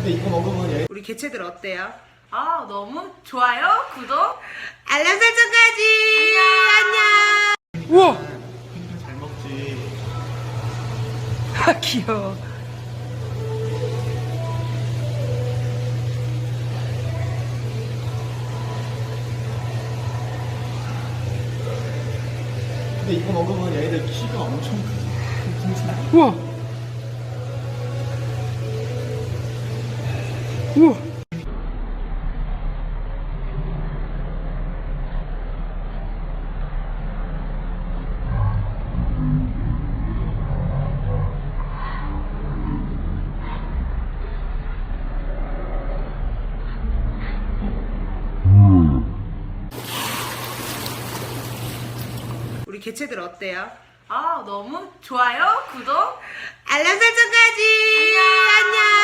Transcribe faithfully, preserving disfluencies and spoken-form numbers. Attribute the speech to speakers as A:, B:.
A: 근데 이거 먹으면 얘
B: 우리 개체들 어때요?
C: 아, 너무 좋아요, 구독,
B: 알람 설정까지. 안녕. 우와.
A: 핑크 잘 먹지.
B: 아 귀여워.
A: 근데 이거 먹으면 얘들 키가 엄청 크지.
B: 우와. 우와. 우리 개체들 어때요?
C: 아, 너무 좋아요, 구독,
B: 알람 설정까지.
C: 안녕.
B: 안녕.